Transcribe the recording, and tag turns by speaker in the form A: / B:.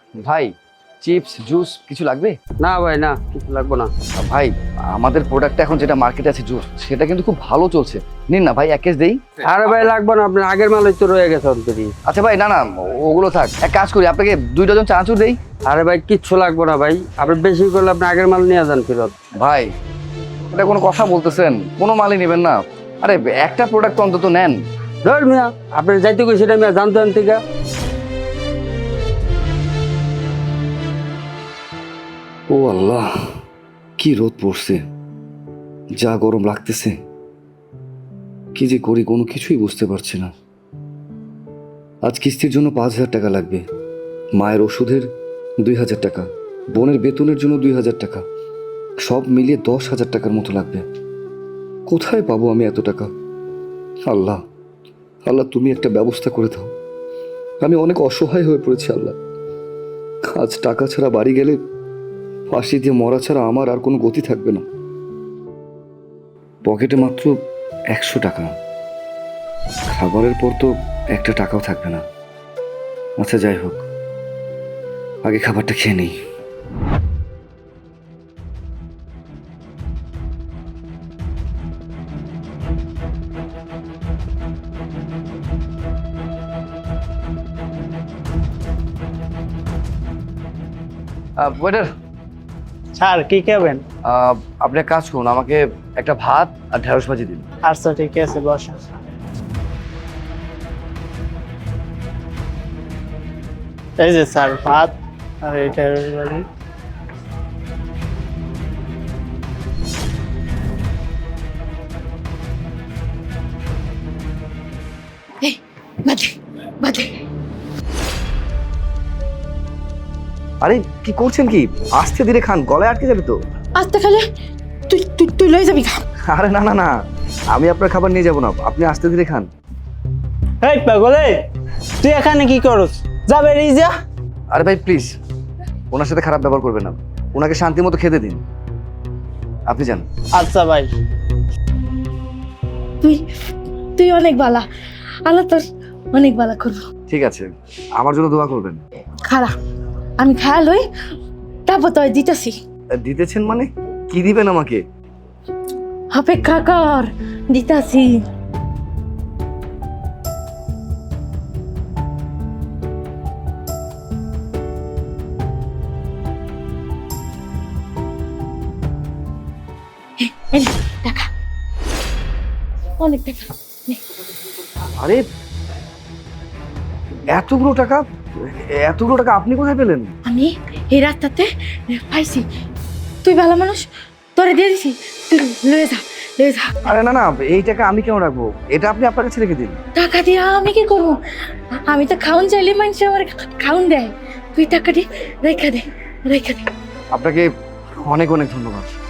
A: ভাই chips juice কিছু লাগবে?
B: না ভাই, না কিছু লাগবে না।
A: ভাই আমাদের প্রোডাক্টটা এখন যেটা মার্কেটে আছে জুস, সেটা কিন্তু খুব ভালো চলছে। নিন না ভাই, এক কেস দেই।
B: আরে ভাই লাগবে না, আপনার আগের মালই তো রয়ে গেছে অলরেডি।
A: আচ্ছা ভাই, না না ওগুলো থাক, এক কাজ করি আপনাকে 2 ডজন চানাচুর দেই।
B: আরে ভাই কিচ্ছু লাগবে না ভাই, আপনি বেশি করলে আপনি আগের মাল নিয়ে যান ফেরত।
A: ভাই এটা কোনো কথা বলতেছেন? কোনো মালই নেবেন না? আরে একটা প্রোডাক্ট তো অন্তত নেন।
B: ধর মিয়া, আপনি যাইতে কই সেটা মিয়া জানতেন থেকে।
A: ও আল্লাহ, কি রোদ পড়ছে, যা গরম লাগতেছে। কি যে করি কোনো কিছুই বুঝতে পারছি না। আজ কিস্তির জন্য 5,000 টাকা লাগবে, মায়ের ওষুধের 2,000 টাকা, বোনের বেতনের জন্য 2,000 টাকা, সব মিলিয়ে 10,000 টাকার মতো লাগবে। কোথায় পাবো আমি এত টাকা? আল্লাহ আল্লাহ, তুমি একটা ব্যবস্থা করে দাও। আমি অনেক অসহায় হয়ে পড়েছি আল্লাহ। আজ টাকা ছাড়া বাড়ি গেলে ফাঁসি দিয়ে মরা ছাড়া আমার আর কোনো গতি থাকবে না। পকেটে মাত্র 100 টাকা, খাবারের পর তো একটা টাকাও থাকবে না। আচ্ছা যাই হোক, আগে খাবারটা খেয়ে নেই। ওয়েটার,
C: স্যার কি খাবেন?
A: আপনি এক কাজ করুন, আমাকে একটা ভাত আর ঢেঁড়স ভাজি দিন।
C: আচ্ছা ঠিক আছে, বসা। এই যে স্যার ভাত আর এটা বাড়ি।
D: বাদে বাদে
A: আরে কি করছেন কি? আস্তে ধীরে খান, গলায় আটকে যাবে তো।
D: আস্তে খালে তুই তুই তুই লয়ে যাবি খা।
A: আরে না না না, আমি আপনার খাবার নিয়ে যাবো না, আপনি আস্তে ধীরে খান।
C: এই পাগলে, তুই এখানে কি করস? যাবে রিজা।
A: আরে ভাই প্লিজ, ওনার সাথে খারাপ ব্যবহার করবেন না, ওনাকে শান্তি মতো খেতে দিন। আপনি যান।
C: আচ্ছা ভাই।
D: তুই তুই অনেক বালা, আল্লাহ তোর অনেক বালা করবো।
A: ঠিক আছে, আমার জন্য দোয়া করবেন।
D: খারা আমি খায়া লই, তারপর তো দিতেছি।
A: দিতেছেন মানে? কি দিবেন আমাকে?
D: অপেক্ষা কর, দিতাছি। এই নে, টাকা, অনেক টাকা নে।
A: আরে এতগুলো টাকা, এতগুলো টাকা আপনি কোথায় পেলেন?
D: আমি এই রাস্তাতে পাইছি, তুই ভালো মানুষ, তোরে দিয়ে দিছি, তুই লয়ে যা লয়ে যা।
A: আরে না না, এই টাকা আমি কেন রাখবো? এটা আপনি আপনার কাছে রেখে দিন।
D: টাকা দিয়ে আমি কি করবো? আমি তো খাউন চাইলে মানুষ আমার খাউন দেয়, তুই টাকাটি রেখা দে রেখা দে।
A: আপনাকে অনেক অনেক ধন্যবাদ।